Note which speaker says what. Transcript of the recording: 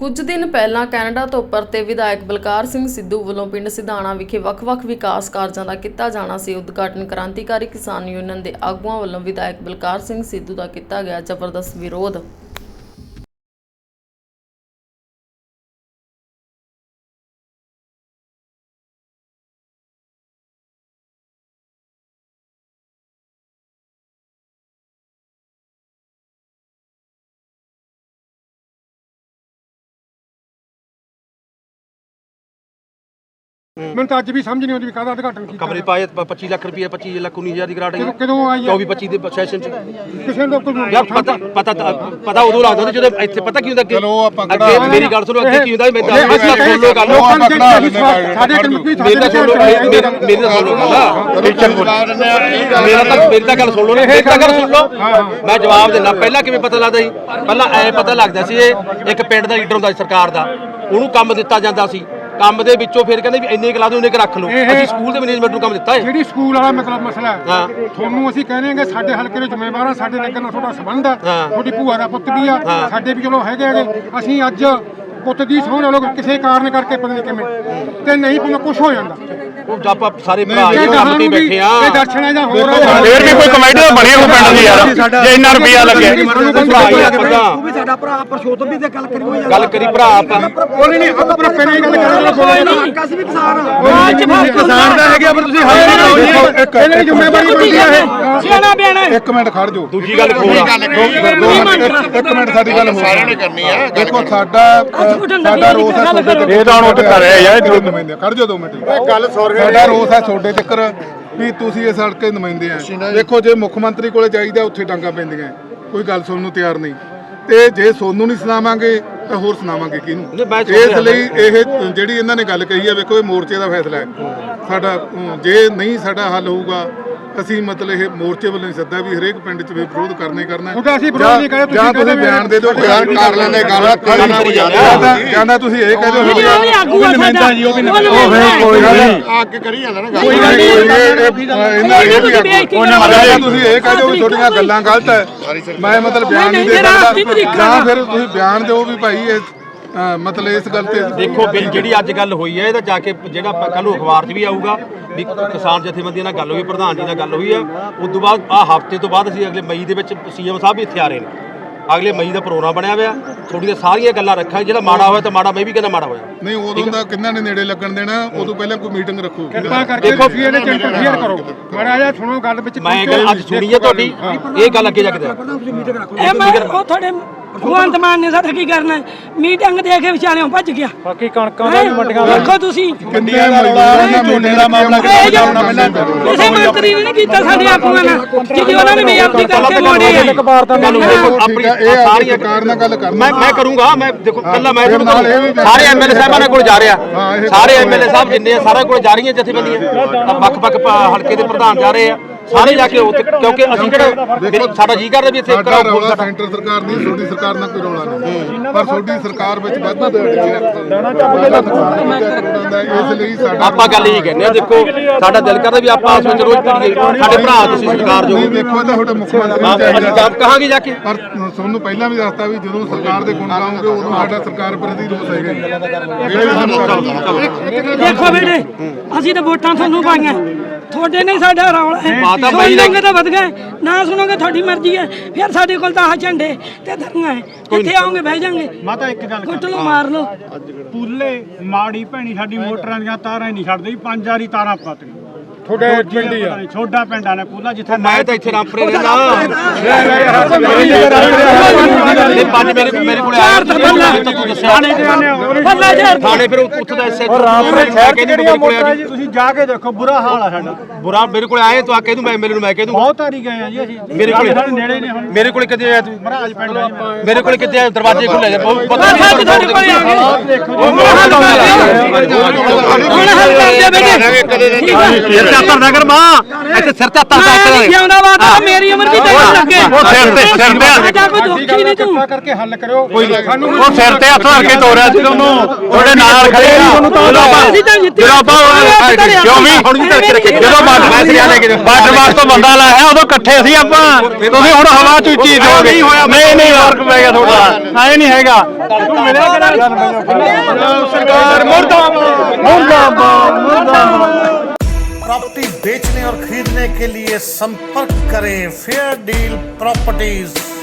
Speaker 1: ਕੁਝ ਦਿਨ ਪਹਿਲਾਂ ਕੈਨੇਡਾ ਤੋਂ ਪਰਤੇ ਵਿਧਾਇਕ ਬਲਕਾਰ ਸਿੰਘ ਸਿੱਧੂ ਵੱਲੋਂ ਪਿੰਡ ਸਿਧਾਣਾ ਵਿਖੇ ਵੱਖ-ਵੱਖ ਵਿਕਾਸ ਕਾਰਜਾਂ ਦਾ ਕੀਤਾ ਜਾਣਾ ਸੀ ਉਦਘਾਟਨ ਕ੍ਰਾਂਤੀਕਾਰੀ ਕਿਸਾਨ ਯੂਨੀਅਨ ਦੇ ਆਗੂਆਂ ਵੱਲੋਂ ਵਿਧਾਇਕ ਬਲਕਾਰ ਸਿੰਘ ਸਿੱਧੂ ਦਾ ਕੀਤਾ ਗਿਆ ਜ਼ਬਰਦਸਤ ਵਿਰੋਧ।
Speaker 2: मैं तो अज भी समझ नहीं आती भी काहदा उद्घाटन कीता
Speaker 3: कमरे पाए 25 लाख रुपये 25 लाख 19,000 की ग्रांट आई
Speaker 2: कदों आई है
Speaker 3: 24-25 ਦੇ ਸੈਸ਼ਨ ਚ
Speaker 2: किसी लोग को
Speaker 3: ਯਾਰ ਪਤਾ ਉਦੋਂ ਲੱਗਦਾ ਹੁੰਦਾ ਜਦੋਂ ਇੱਥੇ ਪਤਾ ਕੀ ਹੁੰਦਾ ਅੱਗੇ ਮੇਰੀ ਗੱਲ ਸੁਣੋ ਅੱਗੇ ਕੀ ਹੁੰਦਾ ਮੈਂ ਦੱਸਦਾ ਸੁਣ ਲੋ ਗੱਲ
Speaker 2: ਸਾਡੇ ਕਮਿਊਨਿਟੀ
Speaker 3: ਮੇਰੀ ਤਾਂ ਸੁਣ ਲੋ ਮੇਰੀ ਤਾਂ ਸੁਣ ਲੋ ਮੇਰੀ ਤਾਂ ਗੱਲ ਸੁਣ ਲੋ ਮੇਰੀ ਤਾਂ ਗੱਲ ਸੁਣ ਲੋ ਮੈਂ ਜਵਾਬ ਦਿੰਦਾ ਪਹਿਲਾਂ ਕਿਵੇਂ ਪਤਾ ਲੱਗਦਾ ਸੀ ਪਹਿਲਾਂ ਐ ਪਤਾ ਲੱਗਦਾ ਸੀ ਇਹ ਇੱਕ ਪਿੰਡ ਦਾ ਲੀਡਰ ਹੁੰਦਾ ਸੀ ਸਰਕਾਰ ਦਾ ਉਹਨੂੰ ਕੰਮ ਦਿੱਤਾ ਜਾਂਦਾ ਸੀ ਕੰਮ ਦੇ ਵਿੱਚੋਂ ਫਿਰ ਕਹਿੰਦੇ ਵੀ ਇੰਨੇ ਕਲਾ ਦੇ ਉਹਨੇ ਰੱਖ ਲਓ ਅਸੀਂ ਸਕੂਲ ਦੇ ਮੈਨੇਜਮੈਂਟ ਨੂੰ ਕੰਮ ਦਿੱਤਾ ਹੈ
Speaker 2: ਜਿਹੜੀ ਸਕੂਲ ਵਾਲਾ ਮਤਲਬ ਮਸਲਾ ਹੈ ਤੁਹਾਨੂੰ ਅਸੀਂ ਕਹਿੰਦੇ ਸਾਡੇ ਹਲਕੇ ਦੇ ਜ਼ਿੰਮੇਵਾਰ ਆ ਸਾਡੇ ਨਗਰ ਨਾਲ ਤੁਹਾਡਾ ਸੰਬੰਧ ਹੈ ਤੁਹਾਡੀ ਭੂਆ ਦਾ ਪੁੱਤ ਵੀ ਆ ਸਾਡੇ ਵੀ ਚਲੋ ਹੈਗੇ ਅਸੀਂ ਅੱਜ ਪੁੱਤ ਦੀ ਸੋਹਣ ਵਾਲੋ ਕਿਸੇ ਕਾਰਨ ਕਰਕੇ ਪਤਾ ਨਹੀਂ ਕਿਵੇਂ ਤੇ ਨਹੀਂ ਭਾਵੇਂ ਕੁਝ ਹੋ ਜਾਂਦਾ
Speaker 3: ਉਹ ਆਪਾਂ ਸਾਰੇ ਭਰਾ ਕੰਮ ਤੇ ਬੈਠੇ ਆ
Speaker 2: ਇਹ ਦਰਸ਼ਨ ਹੈ ਜਾਂ ਹੋਰ
Speaker 4: ਫੇਰ ਵੀ ਕੋਈ ਕਮੇਟੀ ਤਾਂ ਬਣੀ ਹੋ ਪਿੰਡ ਦੀ ਯਾਰ ਜੇ ਇੰਨਾ ਰੁਪਿਆ ਲੱਗਿਆ
Speaker 3: ਉਹ
Speaker 5: ਵੀ ਸਾਡਾ ਭਰਾ ਪਰਸ਼ੋਤਮ ਵੀ ਤੇ
Speaker 3: ਗੱਲ ਕਰੀ ਭਰਾ ਆਪਾਂ
Speaker 2: ਉਹਨੇ ਨਹੀਂ ਆਪਣਾ ਪਹਿਲਾਂ ਹੀ ਗੱਲ ਕਰ
Speaker 5: ਅਸੀਂ ਵੀ ਕਿਸਾਨ
Speaker 4: ਕਿਸਾਨ ਦਾ ਹੈਗਾ ਪਰ ਤੁਸੀਂ ਹੱਲ ਕਰੋ
Speaker 2: ਇਹਨੇ ਜ਼ਿੰਮੇਵਾਰੀ ਬਣਦੀ ਹੈ ਇਹ
Speaker 5: ਸਿਆਣਾ ਬਿਆਣਾ
Speaker 4: ਇੱਕ ਮਿੰਟ ਖੜ ਜਾਓ
Speaker 3: ਦੂਜੀ ਗੱਲ ਖੋਲ
Speaker 4: ਇੱਕ ਮਿੰਟ ਸਾਡੀ ਗੱਲ ਸਾਰਿਆਂ ਨੇ ਕਰਨੀ ਆ ਦੇਖੋ ਸਾਡਾ ਰੋਸ ਹੈ ਤੁਹਾਡੇ ਇਹ ਤਾਂ ਹੁਣ ਉੱਠ ਕਰ ਰਿਹਾ ਯਾਰ ਖੜ ਜਾਓ 2 ਮਿੰਟ ਗੱਲ ਸਾਡਾ ਰੋਸ ਹੈ ਤੁਹਾਡੇ ਤੱਕ ਵੀ ਤੁਸੀਂ ਇਸ ਹਲਕੇ ਦੇ ਨੁਮਾਇੰਦੇ ਆ ਦੇਖੋ ਜੇ ਮੁੱਖ ਮੰਤਰੀ ਕੋਲੇ ਜਾਈਦਾ ਉੱਥੇ ਡਾਂਗਾ ਪੈਂਦੀਆਂ ਕੋਈ ਗੱਲ ਸੁਣਨ ਨੂੰ ਤਿਆਰ ਨਹੀਂ ਤੇ ਜੇ ਸੋਨੂੰ ਨਹੀਂ ਸੁਣਾਵਾਂਗੇ ਤਾਂ ਹੋਰ ਸੁਣਾਵਾਂਗੇ ਕਿਹਨੂੰ ਇਸ ਲਈ ਇਹ ਜਿਹੜੀ ਇਹਨਾਂ ਨੇ ਗੱਲ ਕਹੀ ਹੈ ਵੇਖੋ ਇਹ ਮੋਰਚੇ ਦਾ ਫੈਸਲਾ ਹੈ ਸਾਡਾ ਜੇ ਨਹੀਂ ਸਾਡਾ ਹੱਲ ਹੋਊਗਾ ਅਸੀਂ ਮਤਲਬ ਇਹ ਮੋਰਚੇ ਵੱਲੋਂ ਹੀ ਸੱਦਾ ਵੀ ਹਰੇਕ ਪਿੰਡ 'ਚ ਵਿਰੋਧ ਕਰਨਾ ਹੀ ਕਰਨਾ
Speaker 2: ਅਸੀਂ ਵਿਰੋਧ ਨਹੀਂ ਕਰਦੇ
Speaker 4: ਜਾਂ ਤੁਸੀਂ ਬਿਆਨ ਦੇ ਦਿਓ ਯਾਰ ਕਰ ਲੈਂਦੇ ਗੱਲ ਜਾਂਦਾ ਤੁਸੀਂ ਇਹ ਕਹਿ ਦਿਓ
Speaker 5: ਉਹ ਵੀ ਨਮੈਂਦਾ ਜੀ ਉਹ ਵੀ
Speaker 4: ਕੋਈ ਨਹੀਂ ਅੱਗੇ ਕਰੀ ਜਾਂਦਾ ਨਾ ਗੱਲ ਕੋਈ ਗੱਲ ਤੁਸੀਂ ਇਹ ਕਹਿ ਦਿਓ ਵੀ ਤੁਹਾਡੀਆਂ ਗੱਲਾਂ ਗਲਤ ਹੈ ਮੈਂ ਮਤਲਬ ਬਿਆਨ ਨਹੀਂ ਦੇ ਸਕਦਾ ਜਾਂ ਫਿਰ ਤੁਸੀਂ ਬਿਆਨ ਦਿਓ ਵੀ ਭਾਈ ਇਹ ਮਤਲਬ ਇਸ ਗੱਲ ਤੇ
Speaker 3: ਦੇਖੋ ਜਿਹੜੀ ਅੱਜ ਗੱਲ ਹੋਈ ਹੈ ਇਹਦਾ ਜਾ ਕੇ ਜਿਹੜਾ ਕੱਲ ਨੂੰ ਅਖਬਾਰ 'ਚ ਵੀ ਆਊਗਾ ਵੀ ਕਿਸਾਨ ਜਥੇਬੰਦੀਆਂ ਨਾਲ ਗੱਲ ਹੋਈ ਪ੍ਰਧਾਨ ਜੀ ਨਾਲ ਗੱਲ ਹੋਈ ਹੈ ਉਸ ਤੋਂ ਬਾਅਦ ਹਫ਼ਤੇ ਤੋਂ ਬਾਅਦ ਅਸੀਂ ਅਗਲੇ ਮਈ ਦੇ ਵਿੱਚ ਸੀਐਮ ਸਾਹਿਬ ਵੀ ਇੱਥੇ ਆ ਰਹੇ ਨੇ ਅਗਲੇ ਮਈ ਦਾ ਪ੍ਰੋਗਰਾਮ ਬਣਿਆ ਹੋਇਆ ਤੁਹਾਡੀਆਂ ਸਾਰੀਆਂ ਗੱਲਾਂ ਰੱਖਾਂਗੇ ਜਿਹੜਾ ਮਾੜਾ ਹੋਇਆ ਤਾਂ ਮਾੜਾ ਮੈਂ ਵੀ ਕਹਿੰਦਾ ਮਾੜਾ ਹੋਇਆ ਨਹੀਂ
Speaker 4: ਉਦੋਂ ਦਾ ਕਿੰਨਾਂ ਨੇ ਨੇੜੇ ਲੱਗਣ ਦੇਣਾ ਉਦੋਂ ਪਹਿਲਾਂ ਕੋਈ ਮੀਟਿੰਗ ਰੱਖੋ
Speaker 2: ਕਿਰਪਾ ਕਰਕੇ ਤੁਸੀਂ ਇਹਦੇ ਚ ਇੰਟਰਫੇਅਰ ਕਰੋ ਮਾੜਾ ਜਿਹਾ ਸੁਣੋ ਗੱਲ ਵਿੱਚ
Speaker 3: ਮੈਂ ਗੱਲ ਅੱਜ ਸੁਣੀ ਹੈ ਤੁਹਾਡੀ ਇਹ ਗੱਲ ਅੱਗੇ ਜਾ ਕੇ
Speaker 5: ਇਹ ਮੈਂ ਉਹ ਤੁਹਾਡੇ ਭਗਵੰਤ ਮਾਨ ਨੇ ਸਾਡਾ ਕੀ ਕਰਨਾ ਮੀਟਿੰਗ ਦੇ ਕੇ ਵਿਚਾਰਿਓਂ ਭੱਜ ਗਿਆ
Speaker 2: ਬਾਕੀ ਕਣਕਾਂ ਦਾ ਮੰਡੀਆਂ ਦਾ
Speaker 5: ਦੇਖੋ ਤੁਸੀਂ
Speaker 4: ਕਿੰਨੀਆਂ ਮਜ਼ਦੂਰਾਂ ਝੋਨੇ ਦਾ ਮਾਮਲਾ
Speaker 5: ਕਿਸੇ ਮੰਤਰੀ ਨੇ ਨਹੀਂ ਕੀਤਾ ਸਾਡੇ ਆਗੂਆਂ ਨਾਲ ਜਿਹੜੀ ਉਹਨਾਂ ਨੇ ਬੇਅਦਬੀ ਕਰਕੇ ਮੋੜੇ ਆ
Speaker 3: ਆਪਣੀ ਸਾਰੀਆਂ
Speaker 4: ਸਰਕਾਰ ਨਾਲ ਗੱਲ ਕਰਨਾ
Speaker 3: ਮੈਂ ਕਰੂੰਗਾ ਮੈਂ ਦੇਖੋ ਕੱਲਾ ਮੈਂ ਸਾਰੇ ਐਮਐਲਏ ਸਾਹਿਬਾਂ ਕੋਲ ਜਾ ਰਿਹਾ ਸਾਰੇ ਐਮਐਲਏ ਸਾਹਿਬ ਜਿੰਨੇ ਆ ਸਾਰਿਆਂ ਕੋਲ ਜਾ ਰਹੀਆਂ ਜਥੇਬੰਦੀਆਂ ਵੱਖ-ਵੱਖ ਹਲਕੇ ਦੇ ਪ੍ਰਧਾਨ ਜਾ ਰਹੇ ਆ ਸਾਰੇ ਜਾ ਕੇ ਉੱਥੇ ਕਿਉਂਕਿ ਅਸੀਂ ਕਿਹੜਾ ਸਾਡਾ ਜੀ ਕਰਦਾ ਵੀ ਇੱਥੇ
Speaker 4: ਰੌਲਾ ਸੈਂਟਰ ਸਰਕਾਰ ਦੀ ਛੋਟੀ ਸਰਕਾਰ ਨਾਲ ਕੋਈ ਰੌਲਾ ਨਹੀਂ ਪਰ ਛੋਟੀ ਸਰਕਾਰ ਵਿੱਚ ਵਾਧਾ ਇਸ ਲਈ ਸਾਡਾ
Speaker 3: ਆਪਾਂ ਗੱਲ ਇਹ ਕਹਿੰਦੇ ਆ ਦੇਖੋ ਸਾਡਾ ਦਿਲ ਕਰਦਾ ਵੀ ਆਪਾਂ ਆਪਸ ਵਿੱਚ ਰੋਜ਼ ਪੜੀਏ ਸਾਡੇ ਭਰਾ ਤੁਸੀਂ ਸਰਕਾਰ ਜੋ
Speaker 4: ਦੇਖੋ ਤਾਂ ਤੁਹਾਡੇ ਮੁੱਖ ਮੰਤਰੀ
Speaker 3: ਅਸੀਂ ਕੰਮ ਕਹਾਂਗੇ ਜਾ ਕੇ
Speaker 4: ਪਰ ਤੁਹਾਨੂੰ ਪਹਿਲਾਂ ਵੀ ਦੱਸਤਾ ਵੀ ਜਦੋਂ ਸਰਕਾਰ ਦੇ ਗੁਣ ਗਾਉਂਗੇ ਉਦੋਂ ਸਾਡਾ ਸਰਕਾਰ ਪ੍ਰਤੀ ਰੋਸ ਹੈਗਾ
Speaker 5: ਦੇਖੋ ਬੇਟੇ ਅਸੀਂ ਤਾਂ ਵੋਟਾਂ ਤੁਹਾਨੂੰ ਪਾਈਆਂ ਤੁਹਾਡੇ ਨੇ ਸਾਡਾ ਰੌਲਾ ਹੈ ਸੁਣੋਗੇ ਤਾਂ ਵਧ ਗਏ ਨਾ ਸੁਣੋਗੇ ਤੁਹਾਡੀ ਮਰਜ਼ੀ ਹੈ ਫਿਰ ਸਾਡੇ ਕੋਲ ਤਾਂ ਆਹ ਝੰਡੇ ਤੇ ਧਰਨਾ ਹੈ ਕਿੱਥੇ ਆਓਗੇ ਬਹਿ ਜਾਾਂਗੇ
Speaker 6: ਮਾਤਾ ਇੱਕ ਗੱਲ
Speaker 5: ਕੁੱਟ ਲਓ ਮਾਰ ਲਓ
Speaker 6: ਪੂਲੇ ਮਾੜੀ ਭੈਣੀ ਸਾਡੀ ਮੋਟਰਾਂ ਦੀਆਂ ਤਾਰਾਂ ਹੀ ਨਹੀਂ ਛੱਡਦੇ 5 ਵਾਰੀ ਤਾਰਾਂ ਪੱਟ ਗਈ
Speaker 2: ਤੁਹਾਡੇ ਪਿੰਡ ਹੀ ਆ
Speaker 6: ਛੋਟਾ ਪਿੰਡ ਆ ਨੇ ਪੂਲਾ ਜਿੱਥੇ
Speaker 3: ਮੈਂ ਤਾਂ ਇੱਥੇ ਰਾਮਪੁਰੇ ਰਹਿੰਦਾ ਇਹ ਪੰਜ ਮੇਰੇ ਕੋਲ ਆਇਆ ਤਾਂ ਤੂੰ ਦੱਸਿਆ ਥਾਣੇ ਫਿਰ ਉੱਥੇ ਦਾ ਐਸਐਚ
Speaker 6: ਰਾਮਪੁਰੇ ਸ਼ਹਿਰ ਕਿਹੜੀਆਂ ਮੋਟਰਾਂ ਜੀ ਤੁਸੀਂ ਜਾ ਕੇ ਦੇਖੋ ਬੁਰਾ ਹਾਲ ਆ ਸਾਡਾ
Speaker 3: ਬੁਰਾ ਮੇਰੇ ਕੋਲ ਆਏ ਤੂੰ ਆ ਕਹਿ ਦੂੰ ਮੈਂ ਮੇਰੇ ਨੂੰ ਮੈਂ ਕਹਿ ਦੂੰ
Speaker 6: ਬਹੁਤ ਵਾਰੀ ਗਏ ਆ ਜੀ ਅਸੀਂ
Speaker 3: ਮੇਰੇ ਕੋਲ
Speaker 6: ਨੇੜੇ ਨੇ ਹੁਣ
Speaker 3: ਮੇਰੇ ਕੋਲ ਕਿੱਥੇ ਆਇਆ ਤੂੰ
Speaker 6: ਮਹਾਰਾਜ ਪਿੰਡ
Speaker 3: ਮੇਰੇ ਕੋਲ ਕਿੱਥੇ ਆਇਆ ਦਰਵਾਜ਼ੇ ਖੁੱਲੇ ਨੇ ਪਤਾ
Speaker 5: ਤੁਹਾਡੇ ਕੋਲ ਆ ਗਏ
Speaker 6: ਦੇਖੋ
Speaker 3: ਸਿਰ ਤੇ ਹੱਥ ਨਗਰ ਮਾਂ ਇੱਥੇ ਸਿਰ ਤੇ ਹੱਥ
Speaker 5: ਜਿਉਂਦਾ ਬਾਤ ਮੇਰੀ ਉਮਰ ਵੀ ਤੇਰੀ ਸਾਡਾ ਕੋਈ ਦੁੱਖ ਹੀ ਨਹੀਂ ਤੂੰ
Speaker 2: ਕਿਰਪਾ ਕਰਕੇ ਹੱਲ ਕਰਿਓ ਸਾਨੂੰ
Speaker 7: ਉਹ ਸਿਰ ਤੇ ਹੱਥ ਰੱਖ ਕੇ ਤੋਰਿਆ ਸੀ ਉਹਨੂੰ ਤੁਹਾਡੇ ਨਾਲ ਖੜੇ ਆ ਜਦੋਂ ਆਪਾਂ ਕਿਉਂ ਵੀ ਜਦੋਂ ਬਾਰਡਰ ਬਾਸ ਤੋਂ ਬੰਦਾ ਲਾਇਆ ਉਦੋਂ ਇਕੱਠੇ ਸੀ ਆਪਾਂ ਤੁਸੀਂ ਹੁਣ ਹਵਾ ਚ ਉੱਚੀ ਦੋਗੇ ਨਹੀਂ ਫਰਕ ਪੈ ਗਿਆ ਤੁਹਾਡਾ ਐ ਨਹੀਂ ਹੈਗਾ ਤੂੰ ਮਿਲਿਆ ਸਰਕਾਰ
Speaker 8: प्रॉपर्टी बेचने और खरीदने के लिए संपर्क करें फेयर डील प्रॉपर्टीज।